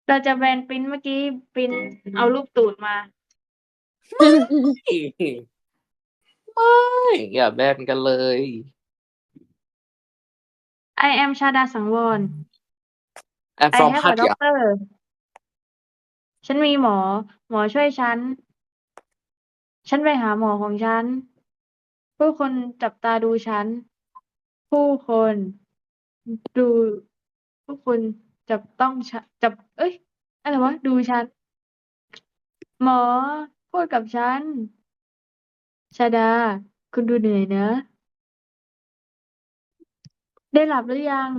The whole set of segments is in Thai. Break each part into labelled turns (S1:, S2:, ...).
S1: เราจะแบนปริ้นเมื่อกี้ปริ้นเอารูปตูดมา
S2: ไม่อย่าแบนกันเลย
S1: I am ชาดาสังวร
S2: I'm
S1: I
S2: from
S1: have
S2: หั
S1: a
S2: ดใหญ่
S1: doctor ฉันมีหมอ หมอช่วยฉัน ฉันไปหาหมอของฉัน ผู้คนจับตาดูฉัน ผู้คนดู ผู้คนจับต้องฉันจับ เอ้ย อะไรวะ ดูฉัน หมอพูดกับฉัน ชาดา คุณดูเหนื่อยนะ ได้หลับหรือยัง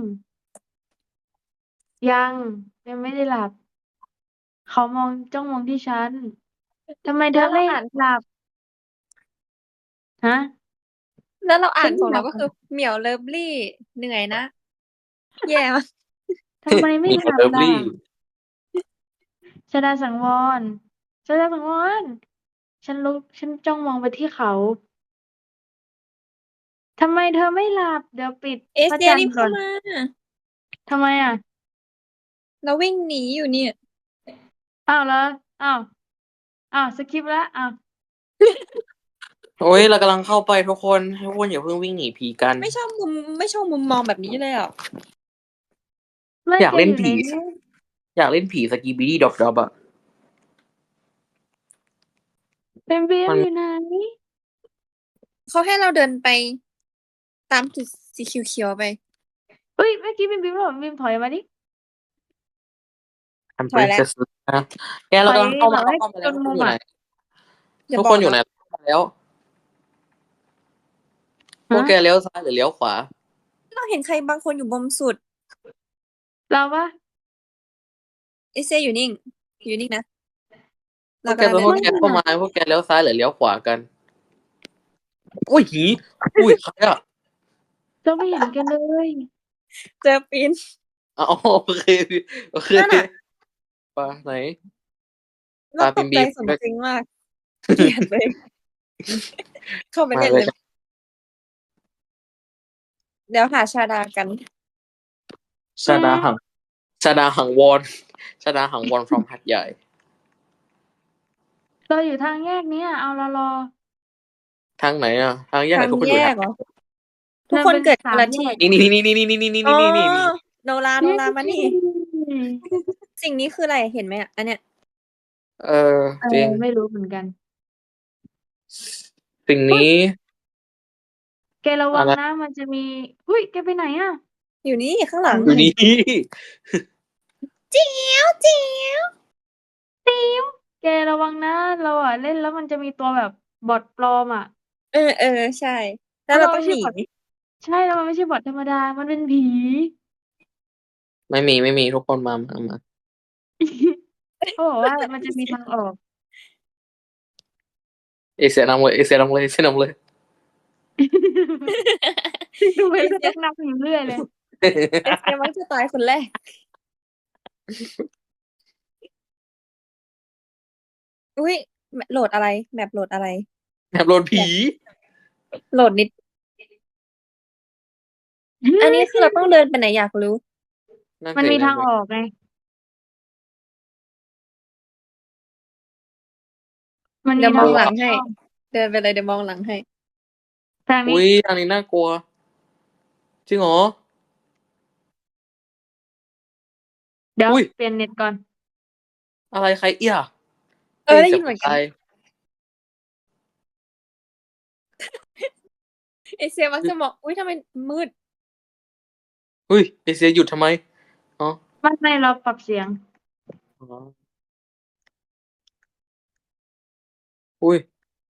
S1: ยังยังไม่ได้หลับ เขาจ้องมองที่ฉัน ทำไมเธ
S3: แล้
S1: อไม่
S3: วเราอ่าน
S1: หลับ ฮะ
S3: แล้วเราอ่า
S1: ฉัน
S3: นของเราก็คือเหมียวเลิฟลี่เหนื่อยนะ แย่มาก
S1: ทำไมไม่
S2: มี
S1: หลับ
S2: เลิฟ
S1: ล่ะ
S2: ลี่
S1: ชดาสังวรชดาสังวรฉันจ้องมองไปที่เขา ทำไมเธอไม่หลับ เดี๋ยวปิด
S3: เอ
S1: พระ
S3: เชียรีบเข้า
S1: จันทร์ก่อน
S3: มา
S1: ทำไมอ่ะ
S3: เราวิ่งหนีอยู่เนี่ย
S1: อ้าวแล้วอ้าวสคิปแล้วอ้าว
S2: โอ้ยเรากำลังเข้าไปทุกคนอย่าเพิ่งวิ่งหนีผีกัน
S3: ไม่ชอบมุมมองแบบนี้เลยอ่ะ
S1: ไม่
S2: อยากเล่น
S1: อยู่ใน
S2: ผี
S1: นี้
S2: อยากเล่นผีสกีบีดี้ดอบอะ
S1: เป็นเบล
S2: มัน
S1: อยู่ไหน
S3: เขาให้เราเดินไป ตามจุดสีเขียวๆไป
S1: เฮ้ยเมื่อกี้เป็นบิมหรอบิมถอยมาดิ
S2: อัน
S3: ถอยแล้ว
S2: princess นะแกเรากำลังเข้ามา
S1: ถอย
S2: เข้ามา
S1: จ
S2: แล้ว
S1: น
S2: ทุก
S1: มุ
S2: คน
S1: ม
S2: อยู่ไหน
S1: อ่ะ
S3: อย่า
S2: ทุก
S3: บอ
S2: ค
S3: ก
S2: นอยู่
S3: นะ
S2: ไหนเข้ามาแล้วพวก
S1: ฮะ
S2: แกเลี้ยวซ้ายหรือเลี้ยวขวา
S3: เราเห็นใครบางคนอยู่มุมสุด
S1: เราปะ
S3: เอเชียอยู่นิ่งนะ
S2: พว
S3: เรา
S2: กแก
S3: กำลัง
S2: ตัว
S3: เดิ
S2: พ
S3: น
S2: วก
S3: ไป
S2: แกเข้ามาพวกแกเลี้ยวซ้ายหรือเลี้ยวขวากันอุ้ยหีอุ้ยใครอะ
S1: เราไม่เห็นกันเลย
S3: เจอปีน
S2: อ๋อโอเคโอเค
S3: นั่นน่ะ
S2: ปลาไหน
S3: เราตกใจ
S2: บีม
S3: สมจริงมากเกลียดเลย เข้าไป
S2: มา
S3: เล่น
S2: เล
S3: เลย ย เดี๋ยวหาชาดากัน
S2: ชาดาหังชาดาหังวอนชาดาหังวอน from หัดใหญ่
S1: เราอยู่ทางแยกเนี้ยเอาเรารอ
S2: ทางไหนอะทางแยกไห
S3: ทาน ง
S2: ทุกคน
S3: แย
S2: อยู่ไหน
S3: กเหรอ ทุกคน
S1: มันเป็น
S3: เกิด
S1: สา
S3: คน
S1: ม
S3: ละ
S1: แย
S3: ที่
S1: ก
S2: นี่
S3: อ๋อ
S2: นี่
S3: โนรามานี่ สิ่งนี้คืออะไรเห็นไหมอ่ะอันเนี้ย
S2: จริง
S1: ไม่รู้เหมือนกัน
S2: สิ่งนี้
S1: แกระวัง
S2: อะไร
S1: นะมันจะมีหุ้ยแกไปไหนอ่ะ
S3: อยู่นี่ข้างหลัง
S2: อยู่นี่
S3: เจียวเจียว
S1: แกระวังนะเราอ่ะเล่นแล้วมันจะมีตัวแบบบอทปลอมอ่ะ
S3: ใช่ แล้วเราต้องหนี
S1: ใช่แล้วมันไม่ใช่บอทธรรมดา มันเป็นผี
S2: ไม่มีทุกคนมา
S1: เขาบอกว่ามันจะมีทางออก
S2: เอเสียนำเลยเอเสียนำเลยเอเสียนำเลย
S1: ดูไปเรื่อยนับอยู่เรื่อยเลย
S3: เอเซียมักจะตายคนแรก อุ้ยโหลดอะไรแมปโหลดอะไร
S2: แบบโดนผี
S3: โหลดนิด อันนี้คือเราต้องเดินไปไหนอยากรู้
S2: นั่น
S1: มัน
S2: สิ
S1: มีทางออกไง มันมี
S3: เดี๋ยวม
S1: ทา
S3: อง
S1: ง
S3: ห
S1: อ
S3: ลั
S1: อก
S3: งให้ เดินไปเลยเดี๋ยวมองหลังให้
S1: ทางนี้
S2: อุ้ยอันนี้น่ากลัว จริงเหรอ
S1: เดี๋ยว
S2: อุ๊ย
S1: เปลี่ยนเน็ตก่อน
S2: อะไรใครเอี้ย
S3: ได้ยินเหมือนกัน เอเซียมักจะบอกอุ้ยทำไมมืด
S2: อุ้ยเอเสียหยุดทำไมอ๋อ
S1: ไม่เราปรับเสียง
S2: อุ้ย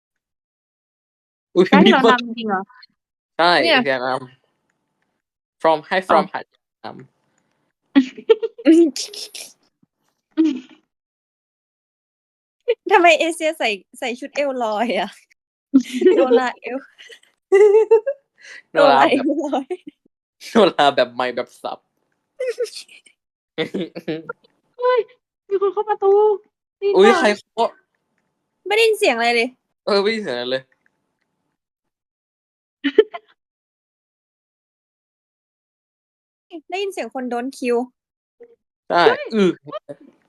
S1: จะให้
S2: มี
S1: เรา
S2: คน
S1: นำจริงเหรอ
S2: ใช่
S3: เนี่ย
S2: เอเสียนำ from ให้ from หัดน
S3: ทำไมเอเชียใส่ชุดเอวลอยอ่ะ โดราเอว
S2: ำโนรา
S3: เอ
S2: แบบ
S3: วลอย
S2: โนราแบบใหม่แบบสับ
S1: เฮ้ย มีคนเข้าประตูนี่
S2: อุ้ย
S1: ป่ะ
S2: ใครเคาะ
S3: ไม่ได้ยินเสียงอะไรเลย
S2: ไม่ได้เสียงอะไรเลย
S3: ได้ยินเสียงคนโดนคิว
S2: ใช่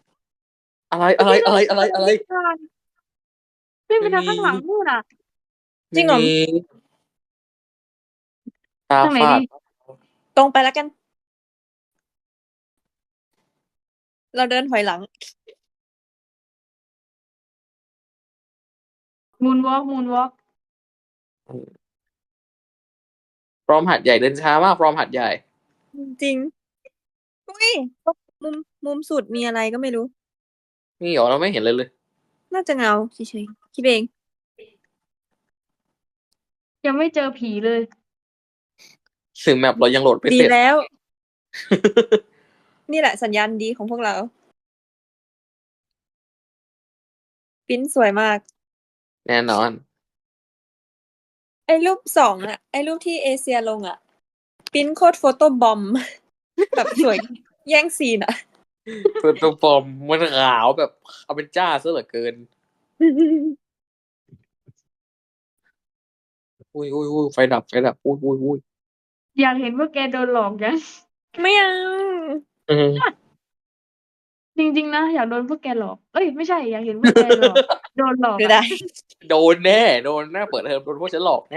S2: อะไร
S1: เมื่อกี้เรา
S2: อะไร
S1: วิ่งไป
S2: ไม่
S1: ทาง
S2: มี
S1: ข้างหลังนู่นน่ะ
S3: จริงเหรอ
S2: ไม่มีตา
S1: ทางไหน
S2: ฝา
S1: ดี
S2: ด
S3: ตรงไปแล้วกัน เราเดินถอยหลัง
S1: moonwalk
S2: พร้อมหัดใหญ่เดินช้ามากพร้อมหัดใหญ่
S3: จริงอุ้ยมุมสุดมีอะไรก็ไม่รู้
S2: นี่เหรอเราไม่เห็นเลย
S3: น่าจะเงาเฉยๆคิดเอง
S1: ยังไม่เจอผีเลย
S2: สื่อแมปเรายังโหลดไม่
S3: ดี
S2: เสร็จ
S3: แล้ว นี่แหละสัญญาณดีของพวกเราปริ้นสวยมาก
S2: แน่นอน
S3: ไอ้รูปสองอะไอ้รูปที่เอเชียลงอะปริ้นโคตรโฟโต้บอม แบบสวย แย่งซีนอะ
S2: เปิดตัวฟอร์มมันขาวแบบเอาเป็นจ้าซะเหลือเกิน อุ้ยไฟดับอุ้ย
S1: อยากเห็นว่าแกโดนหลอกยัง
S3: ไม่เอา
S2: อืม
S1: จริงๆนะอยากโดนพวกแกหลอก เอ้ยไม่ใช่อยากเห็นพวกแกหลอก โดนหลอก
S3: ไม่
S1: อะ
S3: ได้
S2: โดนแน่เปิดเทอมโดนพวกฉันหลอกแน่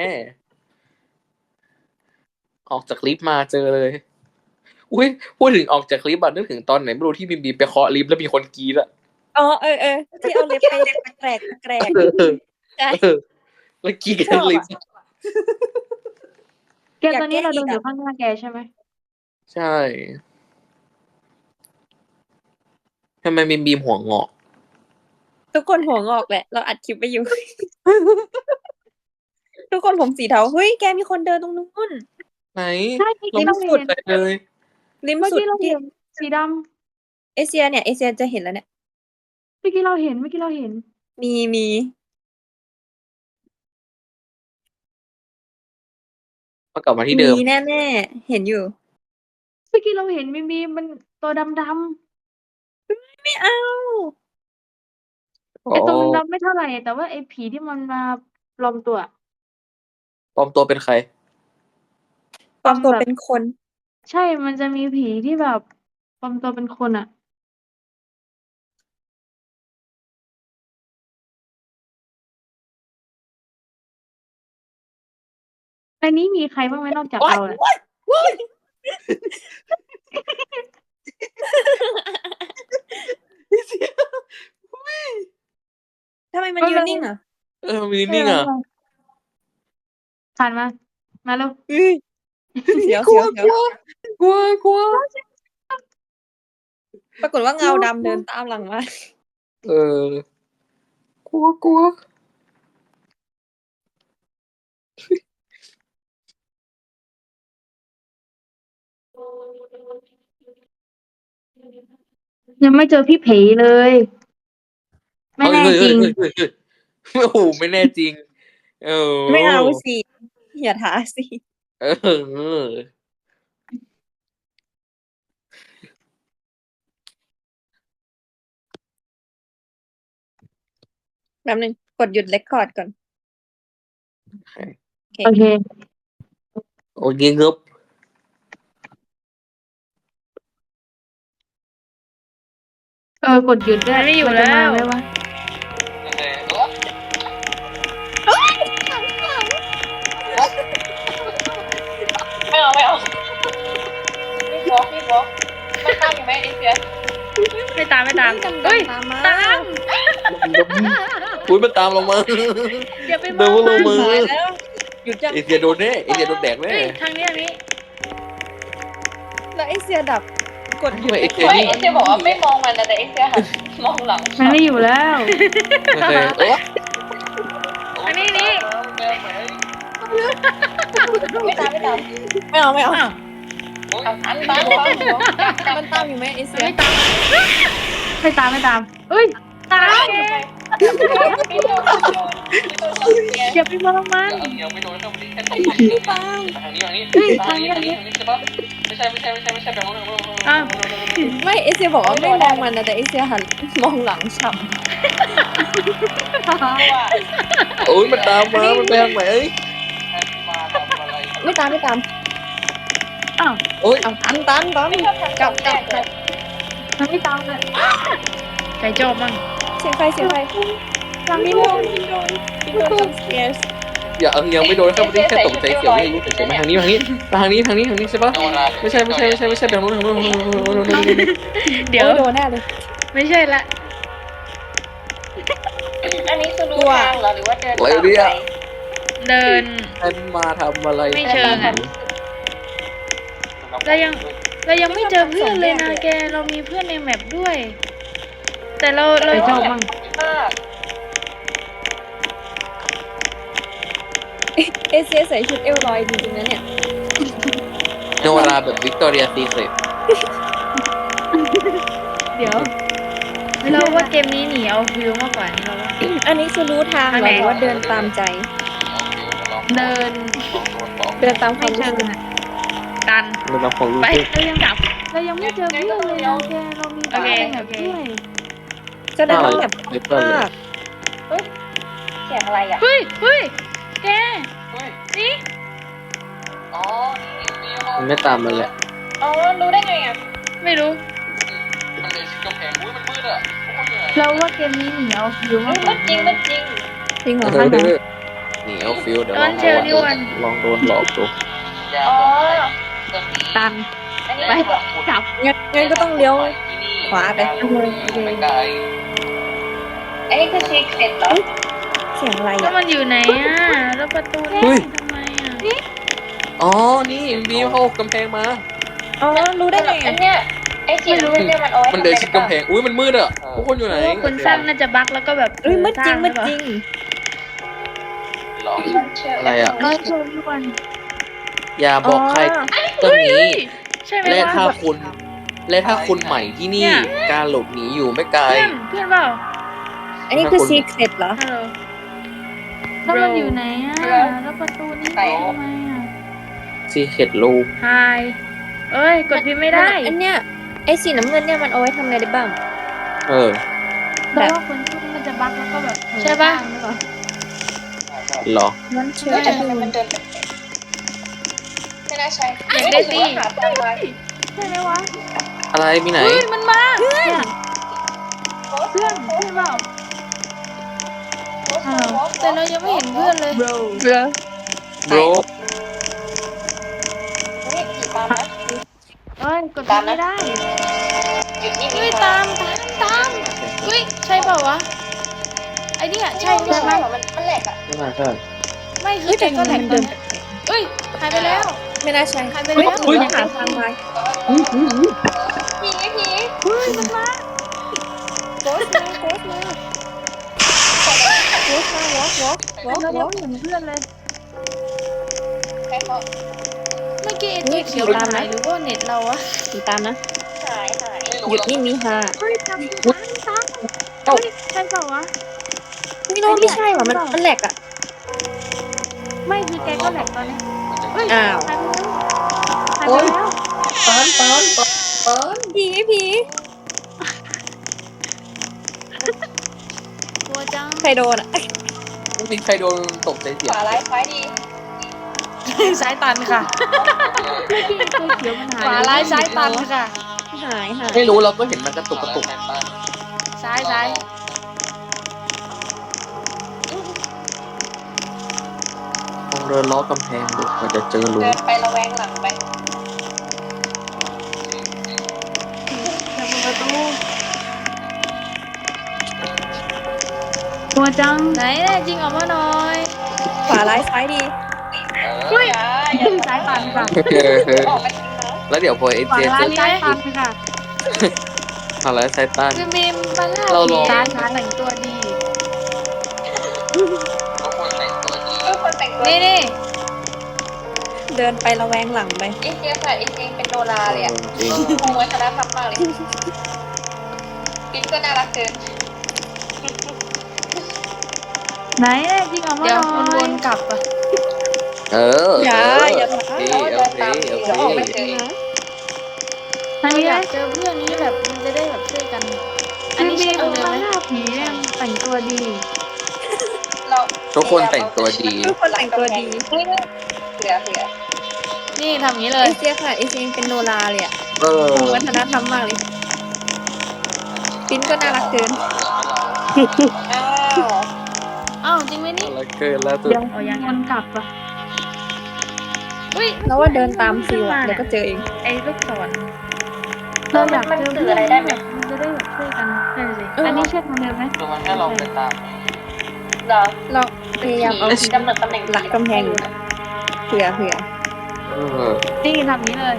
S2: ออกจากลิฟต์มาเจอเลย อุ้ยพูดถึงออกจากลิฟต์อะนึกถึงตอนไหนไม่รู้ที่บีมไปเคาะลิฟต์แล้วมีคนกรีดอะ
S3: อ๋อที่เอาเล็บไปแกรก
S2: เออ
S3: ใช่
S2: แล้วกรีดกันทั้งลิฟต์
S1: แก
S3: อยาก
S1: ตอนนี้
S3: แก้
S1: เรา
S3: อี
S1: เดิ
S3: ก
S1: นอ
S3: อะ
S1: ยู่ข้างหน้าแกใช่ไหม
S2: ใช่ทำไมบีมหัวงอก
S3: ทุกคนหัวงอกแหละ เราอัดคลิปไปอยู่ ทุกคนผมสีเทาเฮ้ยแกมีคนเดินตรงนู้น
S2: ไหน
S1: ใช่เมื่อ
S2: เรา
S1: กี้
S2: ไม่
S1: เรา
S2: สุ
S1: เห็
S2: ด
S1: น
S2: เลย
S3: ริม
S1: เมื่อ
S3: สุด
S1: กี้เรา
S3: ที่
S1: เห็นสีด
S3: เอเชียเนี่ยเอเชียจะเห็นแล้วเนี่ย
S1: ำเมื่อกี้เราเห็น
S3: มี
S2: มากลับมาที่เดิม
S3: แน่ๆเห็นอยู่
S1: เมื่อกี้เราเห็นมีมันตัวดำ
S3: ไม่เอา
S1: ๆไอตัวมันดำไม่เท่าไหร่แต่ว่าไอผีที่มันมาปลอมตัว
S2: ปลอมตัวเป็นใคร
S3: ปลอมตัว
S1: แบบ
S3: เป็นคน
S1: ใช่ มันจะมีผีที่แบบปลอมตัวเป็นคนอะในนี้มีใครบ้างไหมนอกจากเราน่ะ
S3: ทำไมมันยืนนิ่งอ่ะ
S2: มีนิ่งอ่ะ
S1: ผ่านมา มาแล้ว
S3: เสียว
S2: กลัว
S3: ปรากฏว่าเงาดำเดินตามหลังมา
S2: กลัว
S1: ยังไม่เจอพี่ผีเลย ไม่แน่จริง
S2: เฮ้ยโอ้โหไม่แน่จริง
S3: ไม่เอาสิอย่าท้าสิ แบบนึงกดหยุดเรคคอร์ดก่อน
S1: โอเค
S2: โอเคครับ
S1: กดหยุดได้ไม่อยู่แล้วไหมวะ
S4: ไม่เอาไม่บอกไม่ตามอยู่ไหมเอเชีย
S1: ไม่ตาม
S3: เฮ้ยตามมา
S2: อุ้ยมันตามเรามา
S1: อย่าไปม
S2: เดิ
S1: อน ง
S2: ลงมือ
S3: ตายแล้วหยุดยัง
S2: เอเชียโดนแน่เอเชียโดนแดกแน่
S1: ทางนี้
S3: แล้วเอเชียดับกดหยุด
S2: ทำไม
S3: เร
S2: เอ
S3: ค
S2: เชี
S3: ค
S2: ย
S3: อร์ด
S4: เฮ้ยเอเชียบอกว่าไม่มองมันนะแต่เอเชียหันมองหลัง
S1: มันไม่อยู่แล้ว
S2: โอเค
S1: อันนี้
S4: ไม่ตาม
S3: ไม่เอา
S4: อันตามหัว
S3: มันตามอยู่ไหมเอเชีย
S1: ไม่ตามเอ้ยตาม อย่าไปมองมัน
S2: ยังไม่โดนเข้าไปแค่ต
S3: ตาม
S2: ทางนี้
S1: ทางนี้
S2: ใช่ปะไม่ใช่แบบนั้น
S1: อ้าว
S3: ไม่เอเชียบอกว่าไม่มองมันนะแต่เอเชียหันมองหลังฉ่
S2: โอ้ยมันตามมามันไปทางไหน
S3: ำไม่ตาม
S1: อ้าว
S2: โอ้ย
S3: เอาตันกลับ
S1: มันไม่ตามเลยใครชอบมั่ง
S3: เสียงใครมินโดนจัมป์สแกร์
S2: อย่ายังไม่โดนแค่ไม่ได้แค่ตกใจเสียวไม่รู้เฉยๆมาทางนี้ใช่ปะไม่ใช่ไปทางนู้น
S1: เดี๋ยว
S3: โดนแน่เลย
S1: ไม่ใช่ละ
S4: อันนี้คือดูทางเหรอหรือว่าเดินตามไป
S1: เดิน
S2: ฉันมาทำอะไร
S1: ไม่เชิงอะ เรายังไม่เจอเพื่อนเลยนะแก เรามีเพื่อนในแมปด้วย แต่เราชอบมั่ง
S4: มาก
S3: เอเชียใส่ชุดเอลลอยจริงๆนะเนี่ย
S2: โนราแบบวิกตอเรียซีเครต
S1: เดี๋ยวเราว่าเกมนี้หนีเอาฟิลมากกว่านี้เราว่า
S3: อันนี้คือรู้ทางเหรอหรือว่าเดินตามใจ
S1: เดิน
S3: เดินตามควา
S1: ไม่
S3: มรู้
S1: เชิง
S3: สึก
S1: อะตัน
S2: เราลองฟังรู้
S1: ไป
S2: สึก
S1: เรายังกลับ เรายังไม่เจอเพื่อนเลยนะแก เรามีเพื่อนในแมปด้วย
S3: แสดงว่าแบบ
S2: ไม่เปิ้ลเลย
S3: มาก
S4: เสียงอะไรอ่ะ
S1: เฮ้ย แก นี่
S4: อ๋อ
S2: มันไม่ตามมันแหละ
S4: อ๋อรู้ได้ไงอ่ะ
S1: ไม่รู้
S4: มันเลยกำแพงอุ้ยมันมืดอ่ะ
S1: เราว่าเกมนี้หนีเอาฟิลมากก
S4: มั
S1: ว่าน
S4: จริงมันจริง
S3: จริงเหรอ
S2: เอ
S3: คะ
S2: อหนีเอาฟิลเดี๋ยวลองลองโดนหลอกดู
S4: อ๋อ
S1: ตัน
S4: อันนี้
S1: ไปกลับ
S3: งั้นก็ต้องเลี้ยวขวาไป
S4: อันนี้คือซีเคร็ตเหรอ
S3: เสียงอะไร
S1: แล้ว
S3: อ่ะ
S1: มันอยู่ไหนอ่ะ แล้วประตูนี่ทำไมอ่ะ
S2: อ๋อนี่บีเข้ากำแพงมา
S3: อ๋อรู้ได้ไง
S4: อั
S3: อ่ะ
S4: นเนี้ยไอ้สีน้ำเงินเนี่ยมันเอาไว้
S2: มันเดินชิดกำแพงอุ้ยมันมืดอ่ะทุกคนอยู่ไหน
S1: เพราะว่าคนสร้างน่าจะบั๊กแล้วก็แบบ
S3: เอ้ยมืดจริงมืดจริง
S2: อะไรอ่ะ
S1: ก็ชวนทุกคน
S2: อย่าบอกใครตรงนี้
S1: ใช่ไหม
S2: และ
S1: วะ
S2: ถ้าคุณใหม่ที่นี่ การหลบหนีอยู่ไม่ไกล
S1: เพื่อนเปล่า
S3: อันนี้คือซีเคร็ตเหรอ
S1: ฮัลโหลแล้วมันอยู่ไหนอ่ะ แล้วประตูนี้ทำไมอ่ะ
S2: ซีเคร็ตลูก
S1: ไฮเอ้ย กดพิมพ์ไม่ได้
S3: อันเนี้ยไอ้สีน้ำเงินเนี่ยมันเอาไว้ทำอะไรได้บ้าง
S2: เออ
S1: แต่ว่าคนชุดมันจะบั๊กแล้วก็แบบใช่ป่ะ
S2: หรอ
S3: มันเชื่อ
S4: แต่ทำไมมันเดินแปลกๆไม่น่าใช่หาทางมา
S1: ใช่ไหมวะ
S2: อะไรมีไหน
S1: เฮ้ย มันมาเพื่อนเพื่อนเปล่าแต่เรายังไม่เห็นเพื่อนเลย
S3: เบรอ
S2: โบร
S4: นี่ขี่ตามนะ
S1: เอ้ย กดพิมพ์ไม่ได้
S4: หยุดนี่
S1: เฮ้ย ตามเฮ้ย ใช่เปล่าวะ ไอ้เนี่ยใช่
S4: ใช่
S1: ใช่
S4: ไห
S1: ไห
S4: ม
S1: ม
S4: มันแหลกอ่ะ
S2: ไม่น่าใช่
S1: ไม่คือแกก็แหลกตอนเนี้ยเอ้ย หายไปแล้ว
S3: ไม่น่าใช่
S1: หายไปแล้ว
S3: เฮ้ยหาทางมา
S4: ผี
S1: เฮ้ย มันมา
S3: โกสมาวอล์กวอล์ก
S1: เรายังไม่เห็นเพื่อนเลย
S4: ใครเขา
S1: เมื่อกี้ไอ้ตัวเขียวมันหายหรือว่าเน็ตเราอะ
S3: ติดตามนะ
S4: หาย
S3: หยุดนี่มีฮา
S1: เฮ้ยตามเฮ้ยใช่เปล่าวะ
S3: ไม่ใช่ว่ะมันแหลกอ่ะ
S1: ไม่คือแกก็แหลกตอนนี้เฮ้ย
S3: อ้าว
S1: หายไปแล้ว
S3: ผี
S1: กลัวจัง
S3: ใครโดนอ่ะ
S2: ไม่มีใครโดนตกใจเสี
S4: ข
S2: ยง
S4: วาร้ายซ้ายดี
S1: ซ้ายตันค่ะเมื่อกี้ตัวเขียวมันหายขวาร้ายซ้ายตันค่ะ
S3: หาย
S2: ไม่รู้เราก็เห็นมันกระตุก
S1: ซ้าย
S2: ลองเดินล้อกำแพงดูมันจะเจอรู
S4: เดินไประแวงหลังไป
S1: จะเปิดประตูกลัวจังไหนแน่จริงออกมาหน่อย
S3: ขวาร้ายซ้ายดี
S4: เฮ้ย
S1: ซ้ายตันค่ะ
S4: ออกมาจริงนะ
S2: แล้วเดี๋ยวพอเอ
S1: ขวา
S2: เจ
S1: ร้า
S2: เจ
S1: ยซ้ายตันค่ะ
S2: อะไรไซตัน
S1: คือมีมมาล่า
S2: เราลอง
S1: ซ้ายแต่งตัวดี
S4: คนแต่งตัว
S1: นี่
S3: เดินไประแวงหลังไป
S4: เอเชียค่ะเอเชียเป็นโนราเลยอ่ะ
S2: จริง
S4: คงวัฒนธรรมมากเลยปิ๊นก็น่ารักเกิน
S1: ไหนแน่จริงออกมาหน่อย
S4: วนกลับอ่ะ
S3: อย่า
S2: โอเค
S3: เดี๋ยวออกไปเจอนะ
S1: ไหนอยากเจอเพื่อนนี้แบบมันจะได้แบบช่วยกัน อันนี้มีมมาล่าผีเนี่ยแต่งตัวดี
S4: เรา
S2: ทุกคนแต่งตัวดี
S3: ทุกคนแต่งตัวดี
S4: เสือ
S1: นี่ทำอย่างนี้เล
S3: เอย เชียค่ะเอเชียเป็นโนราเลยอ่ะ
S2: เออ
S3: คงวัฒนธรรมมากเลย
S2: จ
S3: ปิ้นก็น่ารักเกิน
S4: อ้าว
S1: อ้าวจริงไหมนี่
S2: อะไรเกินแล้วตัว
S1: เดี๋ยวมันกลับอ่ะอุ้ย
S3: แล้วว่าเดินตามฟิวอะเดี๋ยวก็เจอเอง
S1: ไอ้ลูกศร
S4: เออมันสื่ออะไรได้ไหม
S1: มันจะได้แบบช่วยกันใช่สิอันนี้เชื่อทางเดิมไหม
S2: คือมันให้เราไปตาม
S4: เหรอ
S3: เราพยายามเอา
S4: กำหนดตำแหน่ง
S3: หลักกำแพงอยู่นะเผื่อ
S1: นี่ทำนี้เลย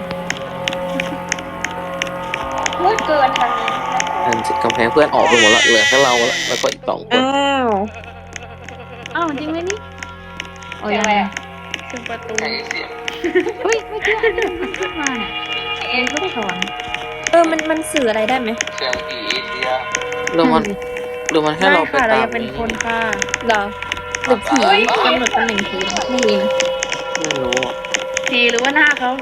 S4: มืดเกินทางนี้
S2: อันกำแพงเพื่อนออกไปหมดละเหลือแค่เราละแล้วก็อีก2 คน
S3: อ้าว
S1: อ้าวจริงไหมนี่โอ้ย
S4: เสียงอะไรอ่ะ
S1: ถึงประตูอุ้ยไม่เชื่ออันนี้มันขึ้นมาเนี่ยไอ้ลูกศร
S3: มันสื่ออะไรได้ไหม
S2: เสียงผีเอเชียหรือมันให้เราไป
S1: ค่ะเรา
S2: ตาม
S1: จะเป็นคนค่ะ
S3: เหรอหรือผีกำหนดตำแหน่งผีไม่รู้นะ
S2: ไม่รู้อะ
S1: สีหรือว่าหน้าเขา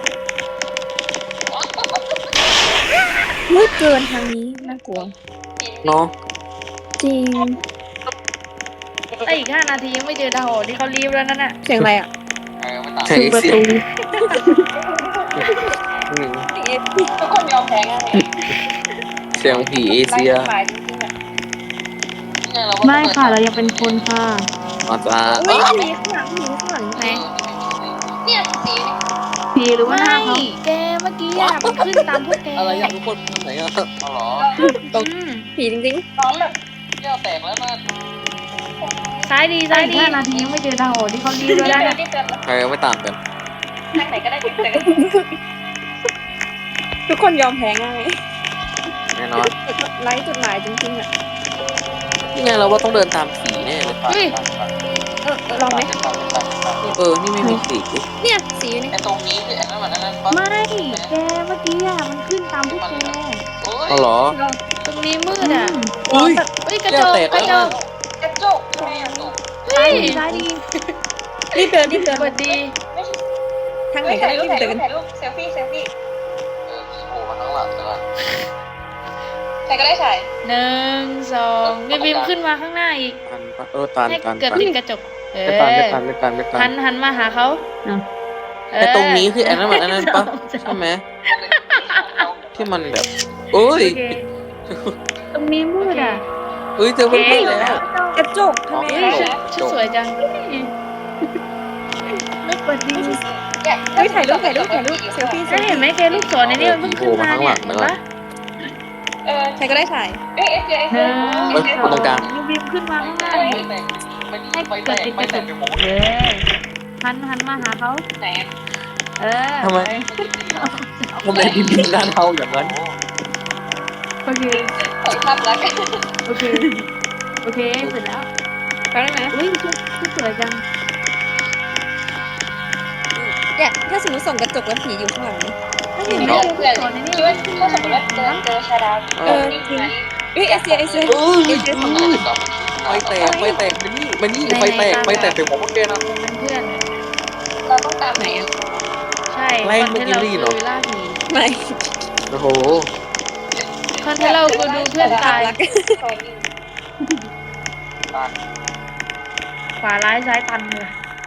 S3: มืดเกินทางนี้น่ากลัว
S2: เนาะ
S3: จริง
S1: ไอ้อีก5 นาทียังไม่เจอดาวที่เขารีบแล้วนั่นน่ะ
S3: เสียงอะไรอ่ะ
S2: เสียงเอเชียอืม
S4: ทุกคนยอมแพ้กันเลย
S2: เสียงผีเอ
S4: ไร้
S2: เชีย
S4: หมายจริงๆอ่ะ
S1: ไม่ค่ะเรายังเป็นคนค่ะ
S2: อาจารย์
S3: อุ้ยผีข้างหลังไหน
S4: เนี่ยสี
S1: สีหรือว่าหน้าเขา
S5: แกเมื่อกี้อะมันขึ้นตามพวกแก
S2: อะไรอยากทุกคนไหนอ่ะอ๋อเหรอ
S3: ผีจริง
S4: น้องแบบ
S2: แก้วแตกแล้วนะ
S5: ซ้ายดี
S1: ไอ้
S5: ซ้าย
S1: อี
S5: ดี
S1: ก5 นาทียังไม่เจอดาวที่เขารีบ
S4: รีบ
S1: แล้ว
S4: เดิ
S1: นั่น
S4: น
S1: น่ะ
S4: รีบเดิน
S2: ใครไม่ตามกัน
S4: ทางไหนก็ได้รีบเดิน
S3: ๆ ทุกคนยอมแพ้ง่าย
S2: แน่นอน
S3: ไร้จุดหมายจริงๆอ่ะ
S2: นี่ไงเราว่าต้องเดินตามผีแน่เลย
S3: ลองไหม
S2: นี่ไม่มีสี
S3: เนี่ยสีอยู่นี่
S2: ไอตรงนี้คือไอ้นั่นมันนั่นปะ
S1: ไม่แกเมื่อกี้อ่ะมันขึ้นตามพวกแก
S2: อ๋อเหรอ
S5: ตรงนี้มืดอ่ะ
S2: อุ้ย
S5: เฮ้ยกระจ
S2: แก้ว
S5: ก
S2: แตก
S5: กระจ
S2: แล้ว
S5: ก
S4: กระจกทำไมอ่ะ
S1: ซ้ายดีซ้ายดี
S3: รีบเดินรีบเดิน
S5: สวัสดี
S4: ไม่ใช่
S3: ทางไหนก็
S4: ถ่าย
S3: ได้
S4: รูป
S3: รีบ
S4: ถ่าย
S3: เดิ
S4: รู
S3: น
S4: ปถ่ายรูปเซลฟี่เซลฟี่
S2: โผล่มาข้างหลังแล้ว
S4: ใครก็ได้ถ่าย
S5: 1 2บิมขึ้นมาข้างหน้าอีก
S2: ตัน
S5: ให้
S2: ตัน
S5: เกือบติดกระจก
S2: ไม่ตันไม่ตัน
S5: หันมาหาเขา
S2: ไอตรงนี้คือไอ้นั่นมันนั่นปะใช่ไหมที่มันแบบเอ้ย
S5: โอเค
S1: ตรงนี้มืดอ่ะ
S2: เอ้ยเจอเพื่อนแล้ว
S3: กระจกทำไม
S5: เฮ้ยชุดสวยจัง
S1: ไม่เปิดดี
S3: เฮ้ยถ่ายรูปเซลฟี่
S5: ได้เห็นไหมแกลูกศรในนี้มันเพิ่งขึ้นมาเนี่ยเห็นปะ
S3: ใครก็ได้ถ่าย
S4: เอ้ยเอสเจเอสเจ
S2: เอ้ยคนตรงกลาง
S1: บิมขึ้นมาข้างหน้าให้เกิดติดกระจกหันมาหาเขา
S4: ไหน
S2: ทำไมทำไมพิมพ์หน้าเทาอย่างนั้น
S1: โอเค
S4: เปิดภาพลักษณ์
S1: โอเคโอเคเสร็จแล้ว
S3: แป๊บนึงนะ
S1: อุ้ยชุดสวยจัง
S3: เนี่ยถ้าสมมติส่องกระจกแล้วผีอยู่ข้างหลังนี่
S1: ถ้าเห็นไหม
S4: เพื่อน
S1: สอนในนี้
S4: คิดว่าถ้าสมมติว่าเจอชาดาวนี่ไง
S3: เอ้ยเอเซีย
S2: ไฟแตกมานี่ไฟแตกไปหมดพวกแกนะ
S5: เป็นเพื่อน
S4: เราต้องตาม
S3: ไหนอ่ะ
S5: ใช่
S2: ไล่
S5: คอนเทนต์เรา
S2: เมื่อกี้เหรอ
S5: คือล่าผี
S3: ไม่
S2: โอ้โห
S5: คอนเทนต์เราคือดูเพื่อนตาย
S4: คอยนิ่ง
S5: ขวาร้ายซ้ายตันเลย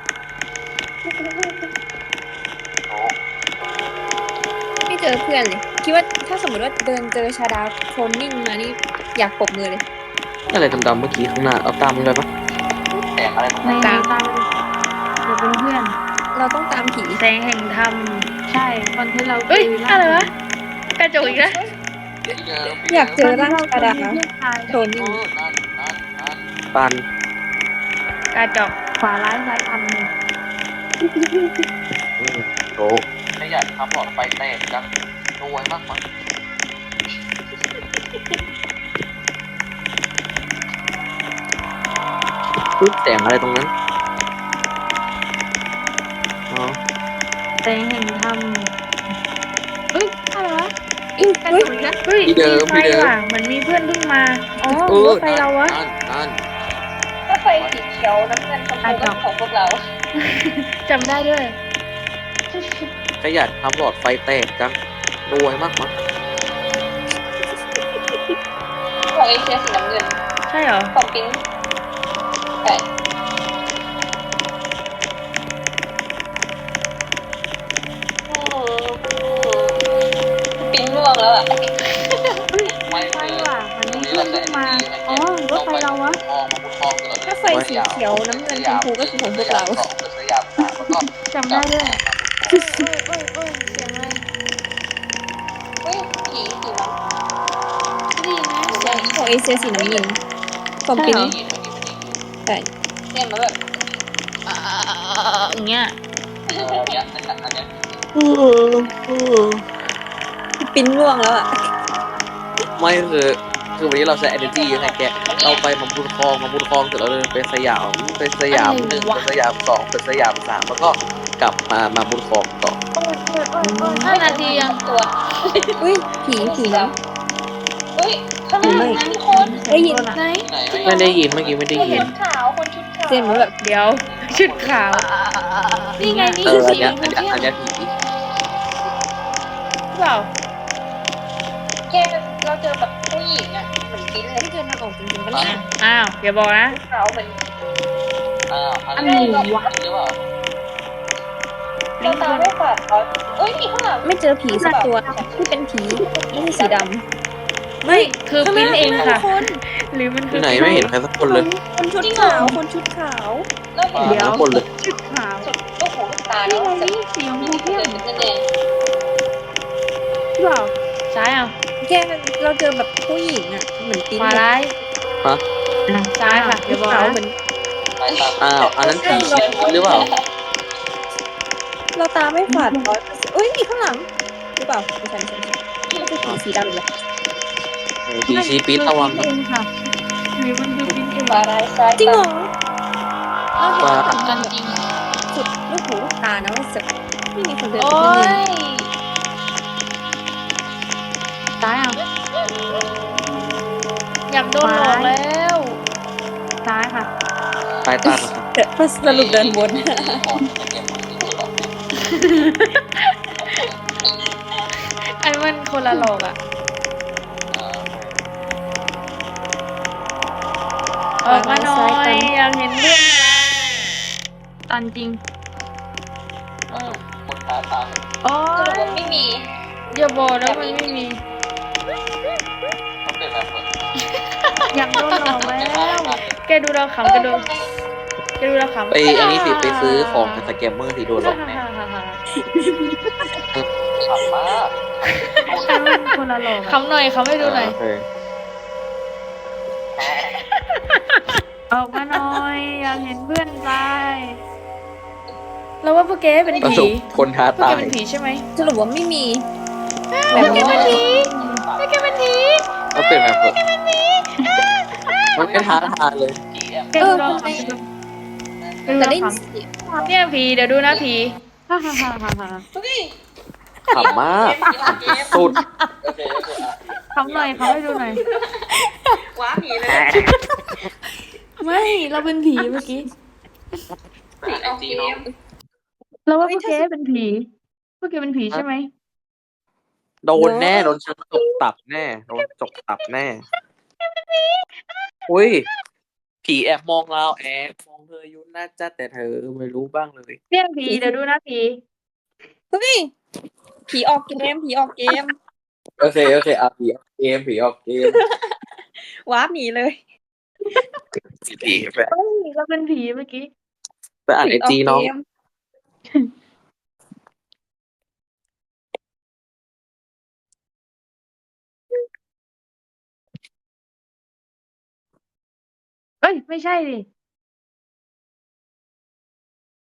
S3: ไม่เจอเพื่อนเลยคิดว่าถ้าสมมติว่าเดินเจอชาดาโคลนนิ่งมานี่อยากปรบมือเลย
S2: อะไรดำๆเมื่อกี้ข้างหน้าเอาตามมันเลยปะแตกอะไรตรง
S1: ใน
S2: นั้น
S1: ตามจะเป็นเพื่อน
S3: เราต้องตามผี
S5: แสงแห่งธรรม
S1: ใช่คอนเทนต์เรา
S5: เอ้ยอะไรวะกระจกอีกแล้ว
S3: อยากเจอร่างชาดา
S1: เพื่อนชาย
S3: โคลนนิ่ง
S2: ตัน
S5: กระจก
S1: ขวาร้ายซ้ายทันเลย
S2: โอ้ขยันทำหลอดไฟแตกจังรวยมากมั้งปึ๊บแสงอะไรตรงนั้นอ๋อ
S1: แต่แห่งธรรมเอ้ยอะไรวะ
S3: อุ๊ย
S1: กระ
S3: เฮ้ย
S1: จกอีกแล้ว
S5: เฮ้ย
S2: ที่เดิม
S5: มีไฟว่ะเหมือนมีเพื่อนเพิ่งมาอ๋อห
S2: เอ
S5: รือ
S2: อ
S5: ว่าไฟเราวะ
S2: นั่น
S4: ถ้าไฟสีเขียวน้ำเงินชมพูก็ของพวกเรา
S5: จำได้ด้วย
S2: ขยันทำหลอดไฟแตกจังรวยมากมั้ง
S4: ของเอเชียสีน้ำเงิน
S5: ใช่เหรอ
S4: ของปิ้นใช่ปิ้นม่วงแล้วอ่ะ
S2: ไม่
S1: ใช่
S2: คือ
S1: ว่ะมันมี
S2: นี่
S1: พิ่งมา อ๋อ รถไฟเราวะ
S3: ถ้าไฟสีเขียวน้ำเงินชมพูก็คือของพวกเรา
S1: จำได้ด้วย
S5: โอ้ยโอ้ยโอ้ยโอ้ยเสียงอะไร
S4: เฮ้ยผีสีน้ำ
S5: ไม่ได้ยินนะเสียง
S3: ของเอเชียสีน้ำเงินของ
S1: ใช่
S3: ปิ้น
S1: เหรอ
S3: ใช่
S4: เนี่ยมันแบบ
S5: อย่างเงี้ย
S3: ปิ้นง่วงแล้วอ่ะ
S2: ไม่คือวันนี้เราใช้ energy เยอะไงแกเราไปมาบุญคลองเสร็จแล้วเดินไปสยาม1ไปสยาม2ไปสยาม3แล้วก็กลับมาบุญคลองต่อ
S5: 5 นาทียัง
S4: ตัว
S3: อุ้ยผีน้
S4: เฮ้ยข้างหน้านั่นคน
S3: ได้ยิน
S5: ไหน
S2: ไม่ได้ยินเมื่อกี้ไม่ได้ยิ
S4: ชุ
S2: น
S4: ดขาวคนชุดขาว
S3: เจนมันแบบ
S5: เดี๋ยว ชุดขาว นี่ไงนี่
S2: เอ
S5: คือ อ
S2: อัน
S5: สี
S2: เนี้ย
S5: ชมพู
S2: อัน
S5: เข้ม
S2: เนี้ยผี
S5: หรือเปล่า
S4: แกเราเจอแบบผู้หญิงอ่ะเหมือนปิ้นเลย
S3: ไม่เจอทางออกจริงๆปะเนี่ย
S5: อ้าวอย่าบอกนะ
S4: ขาวเหมือน
S1: อันไหนวะ
S4: เราตาไม่ฝาดเขาเอ้ยอีกข้างหลัง
S3: ไม่เจอผีสักตัวที่เป็นผีไม่ใช่สีดำ
S5: ไม่คือปริ้นเองค่ะ
S3: คน
S5: หรือมันคื
S2: ที่
S5: อ
S2: ไหนไม่เห็นใครสักคนเลย
S3: คนชุดขาวคนชุดขาว
S4: แล้วเห็น
S1: เดี๋ยว
S2: ทุกคนเลย
S1: ชุดขาว
S4: สุดลูกหูลูกตา
S1: นี่
S4: แล้ว
S1: ไงนี่สีชมพูเข้ม
S4: เป็นแดง
S1: หรือเปล่า
S5: ซ้ายเอา
S3: แกเราเจอแบบผู้หญิงอ่ะเหมือนปิ้น
S5: ขวา
S3: เลย
S5: ร้าย
S2: ฮะ
S5: ซ้ายค่ะอย่าบอก
S3: ขาว
S5: นะ
S3: เหมือน
S2: อ้าวอันนั้นผีหรือเปล่า
S3: เราตาไม่ฝาด100%อุ้ยมีข้างหลังหรือเปล่าไม่ใช่ไม่ใช่ผีสีดำเลย
S2: ผีชีปิดระวัง
S1: เองค่ะ หรือมันคือปิ้นเอง
S4: ขวาร้ายซ้าย
S3: จริงเหรอเราเห็น
S2: ว่า
S3: ข้างหลั
S5: กั
S3: ง
S5: นจริง
S3: สุดลูกหูลูกตานะว่าจะไม่มีคนเดิน
S5: โอ้
S3: ไปที่นี่
S5: ย
S1: ซ้ายเอา
S5: อยากโดนหลอกแล้ว
S1: ซ้ายค่ะ
S2: ตายตาครับ
S3: เดี๋ยวสรุปเดินวน
S5: อันมันคนละหลอกอ่ะ ออกมาหน่อยอยากเห็นเพื่อน
S1: ตันจริง โอ้
S4: สรุป
S1: ย
S4: ว่าไม่มี
S5: อย่าบอกนะมันไม่มี
S1: อยากโดนหลอกแล้ว
S5: แกดูเราขำแกดูเราขำ
S2: ไปอันนี้สิไปซื้อของกับสแกมเมอร์สิโดนหลอกแน่
S1: ฉันเป็นคนละหลอกอะ
S5: ขำหน่อยขำให้ดูหน่อย
S2: โอเค
S1: ออกมาหน่อย อยากเห็นเพื่อนตาย
S5: เราว่าพวกแกเป็น
S2: ประ
S5: ผี
S2: สบคนท้า
S5: พวก
S2: ตา
S5: แก
S2: ย
S5: เป็นผีใช่ไหม
S3: สรุปว่าไม่มี
S5: พวกแกเป็นผีพวกแกเป็นผี
S2: ก็เป็นแบบมันไม่ท้าทายเลย
S1: แกดูเราขำไปดูแกดู
S3: แต่
S1: เรา
S3: ได้
S1: ข
S3: เสียง
S5: เนี่ยผีเดี๋ยวดูนะผี
S1: ำฮ่าฮ่าฮ่าฮ่าฮ่า
S4: เฮ้ย
S2: ขำมากสุด
S1: ขำหน่อยขำให้ดูหน่อย
S4: ว้าผีเลย
S5: ไม่เราเป็นผีเมื่อกี้
S4: ผีเอาเกม
S1: เราว่าพวกแกเป็นผี พวกแกเป็นผีใช่ไหม
S2: โดนแน่โดนฉันจกตับแน่โดนจกตับแน่อุ้ยผีแอบมองเราแอบมองเธออยู่น่าจะแต่เธอไม่รู้บ้างเลย
S1: เรียกผีเดี๋ยวดูนะผี
S3: เฮ้ยผีออกเกมผีออกเกม
S2: โอเคอ่ะผีออกเกม
S3: วาร์ปหนีเลย
S2: ผีแบบ
S1: เฮ้ยเราเป็นผีเมื่อกี้
S2: ไปอ่านไอจีน้อง
S3: ผีกเกม
S1: เอ้ย ไม่ใช่ดิ